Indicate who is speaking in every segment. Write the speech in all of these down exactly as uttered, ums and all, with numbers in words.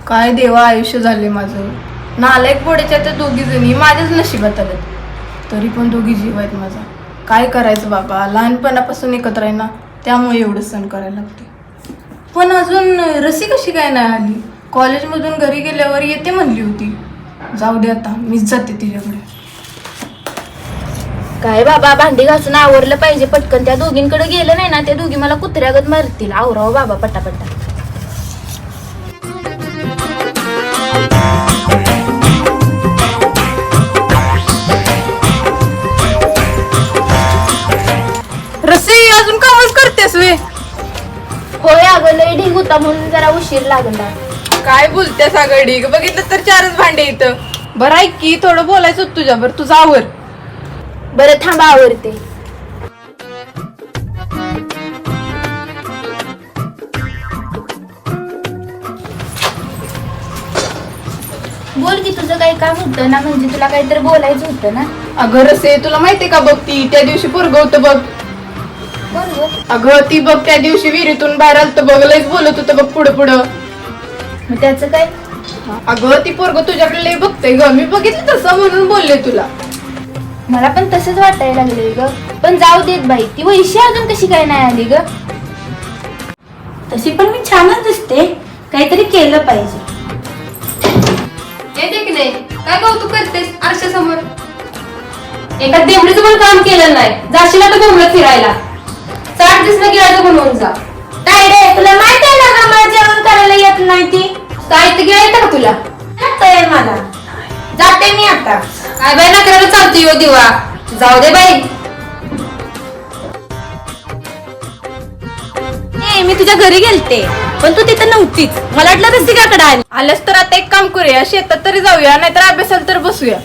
Speaker 1: काय देवा आयुष्य झाले माझं. नालायक पोड्याच्या त्या दोघी जणी माझ्याच नशिबात आल्यात, तरी पण दोघी जीव आहेत माझा. काय करायचं बाबा, लहानपणापासून एकत्र आहे ना, त्यामुळे एवढं सण करायला लागते. पण अजून रसी कशी काय नाही आली? कॉलेजमधून घरी गेल्यावर येते म्हणली होती. जाऊ दे आता, मीच जाते तिच्याकडे.
Speaker 2: काय बाबा, भांडी घासून आवरलं पाहिजे पटकन. त्या दोघींकडे गेलं नाही ना, त्या दोघी मला कुत्र्यागत मारतील. आवराव बाबा पटापटा.
Speaker 1: रसी अजून कामच करतेस वे?
Speaker 2: होय अगं, लय ढीग होता म्हणून जरा उशीर लागला.
Speaker 1: काय बोलतेस अगं ढीग? बघितलं तर चारच भांडे इथं. बरं ऐक की, थोडं बोलायचं होतं तुझ्यावर, तुझा आवर.
Speaker 2: बरं थांबा आवरते. बोल की, तुझं काही काम होतं ना? म्हणजे तुला काहीतरी बोलायचं होतं ना?
Speaker 1: अगं रसे, तुला माहितीये का बघ, ती त्या दिवशी पोरगं होतं बघ.
Speaker 2: बरोबर.
Speaker 1: अगं ती बघ त्या दिवशी विहिरीतून बाहेर आलत बघ, लयच बोलत होतं बघ पुढं पुढं.
Speaker 2: मग त्याचं काय?
Speaker 1: अगं ती पोरगं तुझ्याकडे लय बघतंय ग, मी बघितलं तसं म्हणून बोलले तुला.
Speaker 2: मला पण तसंच वाटायला लागले ग. पण जाऊ देत बाई, ती वैशी अजून कशी काय नाही आली ग?
Speaker 3: तशी पण मी छानच दिसते, काहीतरी केलं पाहिजे.
Speaker 1: येते की नाही? काय कौतुक करतेस आरशासमोर?
Speaker 3: एका देवडीचं पण काम केलं नाही, जाशील आता बोंबलत फिरायला. साठ दिसलं गिळायचं बनवून जा. काय रे, तुला माहित आहे ना का मला जेवण करायला येत नाही? ती साहित्य गिळायचं का तुला? येतंय मला. जाते मी आता. काय बाई नकराला चालतो यो दिवा. जाऊ दे बाई. ए, मी तुझ्या घरी गेलते पण तू तिथं नव्हतीच. मला वाटलं रसिकाकडे आली.
Speaker 1: आल्यास तर आता एक काम करूया, शेतात तरी जाऊया, नाहीतर अभ्यासाला तर बसूया.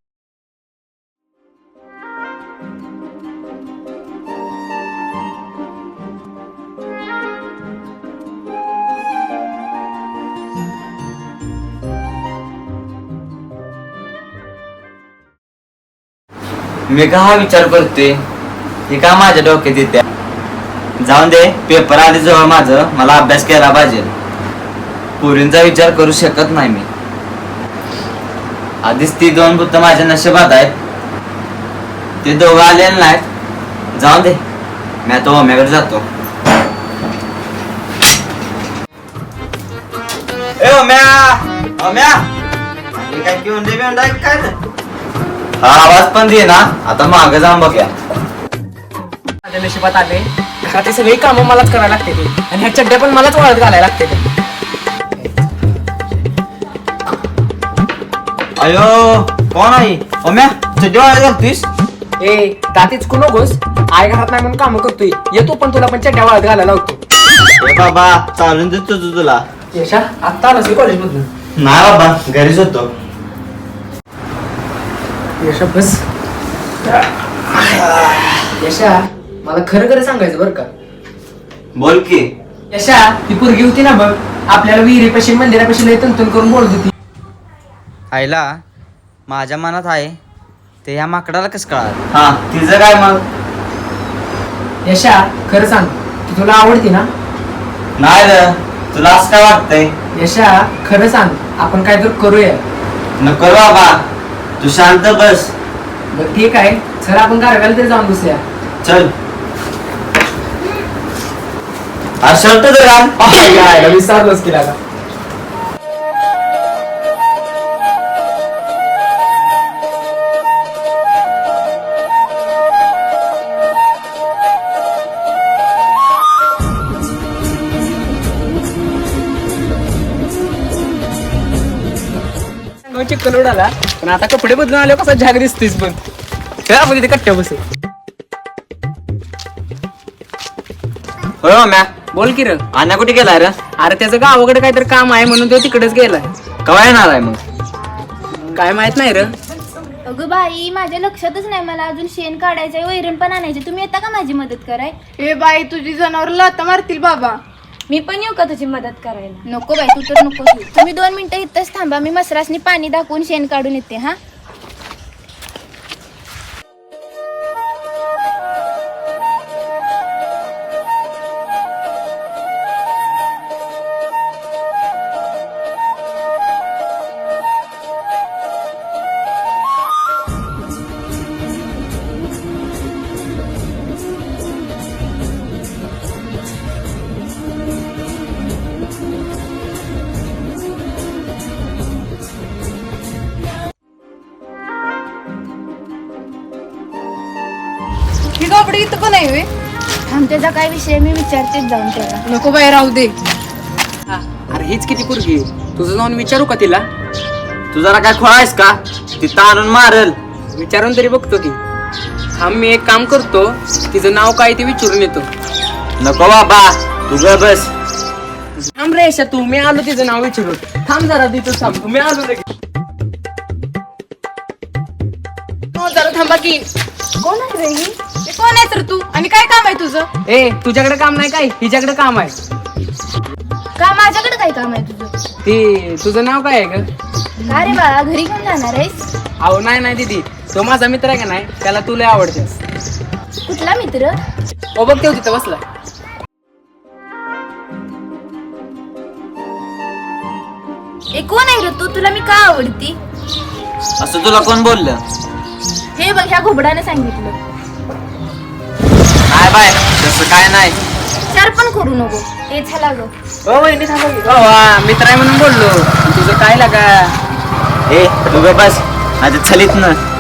Speaker 4: मी का हा विचार करते, हे का माझ्या डोक्यात येते. जाऊन दे, पेपर आधी जवळ माझं, मला अभ्यास केला पाहिजे. पुरींचा विचार करू शकत नाही मी. आधीच ती दोन बुद्ध माझ्या नशिबात आहेत, ते दोघं आलेले नाहीत. जाऊन दे, मी आता ओम्याकडे जातो. ए ओम्या, ओम्या, काय घेऊन दे बेंडा काय ना. हा आवाज पण दे ना, आता मागे जाऊन बघूया.
Speaker 5: माझ्या नशिबात आले, घरातली सगळी कामं मलाच करायला लागते ते, आणि ह्या चड्ड्या पण मलाच वाळत घालायला लागते ते.
Speaker 4: अयो कोण आहे? ओम्या चड्डी वाळत घालतोयस?
Speaker 5: ए दातीच कु नकोस, आई घरात नाही म्हणून कामं करतोय. येतो पण तुला पण चड्ड्या वाळत घालायला होतो.
Speaker 4: ए बाबा चालून देतो तू तुला.
Speaker 5: यशा आत्ता आलास कॉलेज मधून?
Speaker 4: नाही बाबा, घरीच होतो.
Speaker 5: यशा बस. यशा मला खरं खरं सांगायचं बरं का.
Speaker 4: बोल की.
Speaker 5: यशा ती पोरगी होती ना बघ, आपल्याला विहिरीपाशी मंदिरापाशी लय तंतन करून बोलत होती.
Speaker 4: आईला माझ्या मनात आहे ते ह्या माकडाला कसं कळाल? हा तिचं काय मग?
Speaker 5: यशा खरं सांग, ती तुला आवडती ना?
Speaker 4: नाही रे, तुला असं काय वाटतंय?
Speaker 5: यशा खरं सांग, आपण काय तर करूया.
Speaker 4: नको बाबा, तू शांत बस.
Speaker 5: बरं ठीक आहे, चल आपण कारव्याला तरी जाऊन बसूया.
Speaker 4: चल. हा शर्ट तर घाल.
Speaker 5: विसरलोच केला का? चिकन उडाला, पण आता कपडे बदलून आले कसा झाग दिसतेस. पण खेळा आपण तिथे कट्ट्या बसे.
Speaker 4: होय ओम्या,
Speaker 5: बोल की र.
Speaker 4: अन्या कुठे गेलाय रे?
Speaker 5: अरे त्याचं गावाकडे काहीतरी काम आहे म्हणून तो तिकडेच गेलाय.
Speaker 4: कवा येणार आहे मग?
Speaker 5: काय माहित नाही र.
Speaker 2: अगं बाई, माझ्या लक्षातच नाही. मला अजून शेण काढायचंय, वैरण पण आणायचे. तुम्ही येता का माझी मदत कराय?
Speaker 1: ए बाई, तुझी जनावर लाथा मारतील बाबा.
Speaker 3: मी पण येऊ का तुझी मदत करायला?
Speaker 2: नको बाई, तू तर नको. तुम्ही दोन मिनिटं इथंच थांबा, मी मसरासनी पाणी दाखवून शेण काढून येते. हा
Speaker 1: ही कपडे इथं पण आहे वे
Speaker 2: थांब, त्याचा काय विषय मी विचारतेच जाऊन त्याला.
Speaker 1: नको बाई राहू दे.
Speaker 5: अरे हीच किती पोरगी तुझं जाऊन विचारू का तिला?
Speaker 4: तू जरा काय खोळा आहेस का? तिथं आणून मारल.
Speaker 5: विचारून तरी बघतो की. थांब, मी एक काम करतो, तिचं नाव काय ते विचारून येतो.
Speaker 4: नको बाबा, तू ग बस.
Speaker 5: थांब रे यशा, तू मी आलो तिचं नाव विचारून. थांब जरा तिथं थांब, मी आलो रे.
Speaker 1: हो जरा थांबा की.
Speaker 2: कोण आहे रे ही?
Speaker 1: हे कोण आहे तर तू आणि काय काम आहे तुझं?
Speaker 5: ए तुझ्याकडे काम नाही काय? हिच्याकडे काम आहे.
Speaker 2: का माझ्याकडे काय काम आहे तुझं?
Speaker 5: ते तुझं नाव काय आहे ग?
Speaker 2: का रे बाळा, घरी घेऊन जाणार आहेस?
Speaker 5: अहो नाही नाही दीदी, तो माझा मित्र आहे का नाही, त्याला तू लय आवडतेस.
Speaker 2: कुठला मित्र?
Speaker 5: ओ बघ तेव तिथं बसला.
Speaker 2: ए कोण आहे रे तू? तुला मी का आवडती?
Speaker 4: असं तुला कोण बोललं?
Speaker 2: हे बघ, ह्या घोबडाने सांगितलं.
Speaker 4: नाही बाय, तसं काय नाही.
Speaker 2: विचार पण करू नको. ते झाला ग.
Speaker 5: ओ वहिनी थांबा की. ओ, वा, मित्र आहे म्हणून बोललो. तुझं काय लागा?
Speaker 4: ए तू ग बस, माझ्या छलीत ना.